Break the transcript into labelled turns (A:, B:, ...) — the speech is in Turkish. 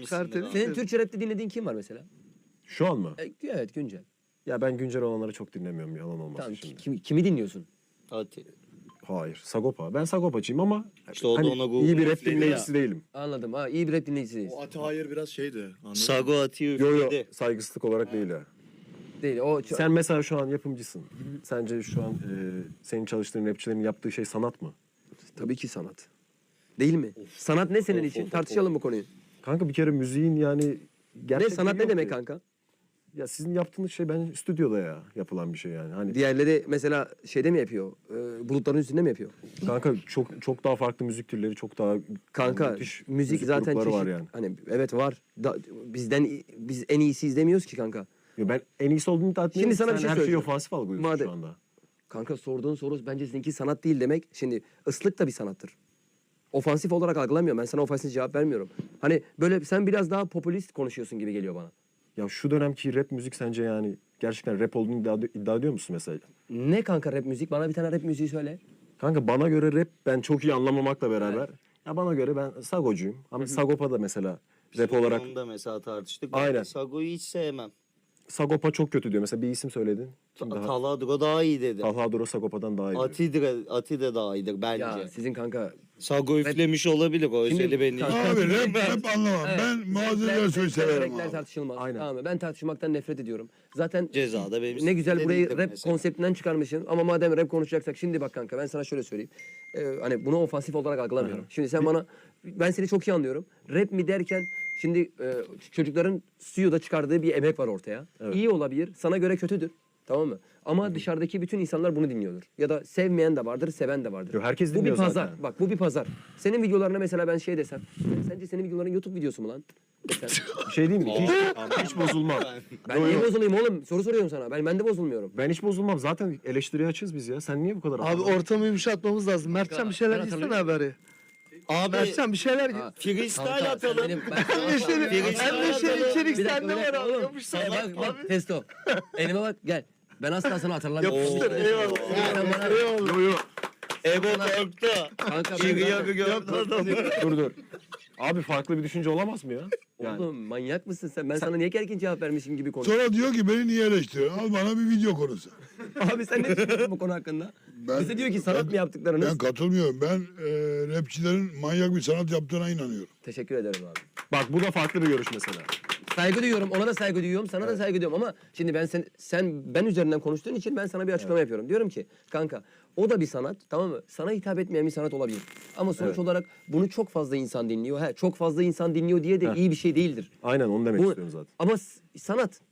A: çıkartır.
B: Senin Türkçe rapte dinlediğin kim var mesela?
C: Şu an mı?
B: Evet, güncel.
C: Ya ben güncel olanları çok dinlemiyorum, yalan olmasın
B: Tamam,
C: şimdi.
B: kimi dinliyorsun?
A: Hadi.
C: Hayır, Sagopa. Ben Sagopacıyım ama
A: İşte o da ona Google
C: iyi bir rap
A: üfledi
C: dinleyicisi değilim.
B: Anladım. Ha, iyi bir rap dinleyicisiyiz.
D: O Ati Hayır biraz şeydi. Anladın mı?
A: Sago Ati'yi
C: Yo
A: üfledi.
C: saygısızlık olarak değil ha.
B: Değil. O
C: Sen mesela şu an yapımcısın. Sence şu an senin çalıştığın rapçilerin yaptığı şey sanat mı?
B: tabii ki sanat. Değil mi? Sanat ne senin için? Tartışalım bu konuyu.
C: Kanka bir kere müziğin yani...
B: Ne
C: gerçek
B: sanat
C: yönü
B: ne
C: yok
B: demek
C: ki.
B: kanka?
C: Ya sizin yaptığınız şey bence stüdyoda ya yapılan bir şey yani. Hani
B: Diğerleri mesela şeyde mi yapıyor? Bulutların üstünde mi yapıyor?
C: kanka çok daha farklı müzik türleri, çok daha
B: Kanka
C: müthiş
B: müzik zaten
C: grupları
B: çeşit.
C: var yani.
B: Hani evet var. Biz en iyisi izlemiyoruz ki kanka.
C: Ya ben en iyisi olduğunu iddia etmiyorum.
B: Şimdi sana bir
C: Sen
B: şey
C: her şeyi
B: söyleyeceğim.
C: ofansif algılıyorsun
B: Madem-
C: şu anda.
B: Kanka sorduğun soru bence sizinki sanat değil demek. Şimdi ıslık da bir sanattır. Ofansif olarak algılamıyorum. Ben sana ofansif cevap vermiyorum. Hani böyle sen biraz daha popülist konuşuyorsun gibi geliyor bana.
C: Ya şu dönemki rap müzik sence yani gerçekten rap olduğunu iddia ediyor musun mesela?
B: Ne kanka rap müzik? Bana bir tane rap müziği söyle.
C: Kanka bana göre rap ben çok iyi anlamamakla beraber. Ya bana göre ben Sagocuyum. Ama Sagopa da mesela rap olarak
A: Onu da mesela tartıştık.
C: Aynen.
A: Ben Sago'yu hiç sevmem.
C: Sagopa çok kötü diyor. Mesela bir isim söyledin. Kim daha?
A: Taladro daha iyi dedi.
C: Talha Duro Sagopa'dan daha iyi diyor.
A: Ati de daha iyidir bence.
B: Ya sizin kanka
A: Sago üflemiş olabilir o
B: Şimdi-
A: özeli beni.
B: Kanka-
D: Abi rap anlamam.
B: Evet.
D: Ben Muazzez Ersoy'u severim
B: renkler
D: abi.
B: tartışılmaz.
C: Aynen.
B: Tamam mı? Ben tartışmaktan nefret ediyorum. Zaten
A: Cezada benim
B: ne güzel burayı
A: dediğim
B: rap
A: mesela.
B: konseptinden çıkarmışsın. Ama madem rap konuşacaksak şimdi bak kanka ben sana şöyle söyleyeyim. Hani bunu ofansif olarak algılamıyorum. Şimdi sen bana ben seni çok iyi anlıyorum. Rap mi derken şimdi çocukların stüdyoda çıkardığı bir emek var ortaya. İyi olabilir. Sana göre kötüdür. Tamam mı? Ama dışarıdaki bütün insanlar bunu dinliyordur. Ya da sevmeyen de vardır, seven de vardır.
C: Yo, herkes
B: Bu bir
C: dinliyor
B: pazar.
C: zaten.
B: Bak bu bir pazar. Senin videolarına mesela ben şey desem. Sence senin videoların YouTube videosu mu lan? Desem.
C: Bir şey değil mi? Hiç bozulmam.
B: Ben niye bozulayım oğlum? Soru soruyorum sana. Ben de bozulmuyorum.
C: Ben hiç bozulmam. Zaten eleştiriye açığız biz ya. Sen niye bu kadar...
E: Abi ortamı yumuşatmamız lazım. Mertcan bir şeyler
B: Ben
E: gitsene
B: hatırlıyorum.
E: haberi.
A: Abi
E: Mertcan bir şeyler git.
B: Ha,
A: freestyle
B: kanka, sen
A: atalım.
B: benim- ben-
E: Her şey içerik
B: Bir dakika,
E: sende
B: bir
E: var
B: dakika
E: abi.
B: oğlum.
E: Yapıştır.
B: Bak testo. Elime bak gel. Ben asla sana hatırlamıyorum.
E: Yapıştır, eyvallah.
B: Sen bana-
C: Yo yo.
A: Ego korktu.
B: Kanka ben
A: Şiriye
B: zaten-
A: bir gördü adamı.
C: Dur. Abi farklı bir düşünce olamaz mı ya? Yani
B: Oğlum manyak mısın sen? Ben sana niye gergin cevap vermişim gibi konuşuyorum.
D: Sonra diyor ki beni niye eleştiriyorsun? Al bana bir video konusu.
B: Abi sen ne düşünüyorsun bu konu hakkında? Bize diyor ki sanat mı yaptıklarınız?
D: Ben katılmıyorum. Ben rapçilerin manyak bir sanat yaptığına inanıyorum.
B: Teşekkür ederim abi.
C: bak bu da farklı bir görüş mesela.
B: Saygı duyuyorum, ona da saygı duyuyorum, sana da saygı duyuyorum ama şimdi ben üzerinden konuştuğun için ben sana bir açıklama yapıyorum. Diyorum ki kanka o da bir sanat, tamam mı? Sana hitap etmeyen bir sanat olabilir. Ama sonuç olarak bunu çok fazla insan dinliyor. Çok fazla insan dinliyor diye de iyi bir şey değildir.
C: Aynen onu demek
B: Bu-
C: istiyorum zaten.
B: Ama sanat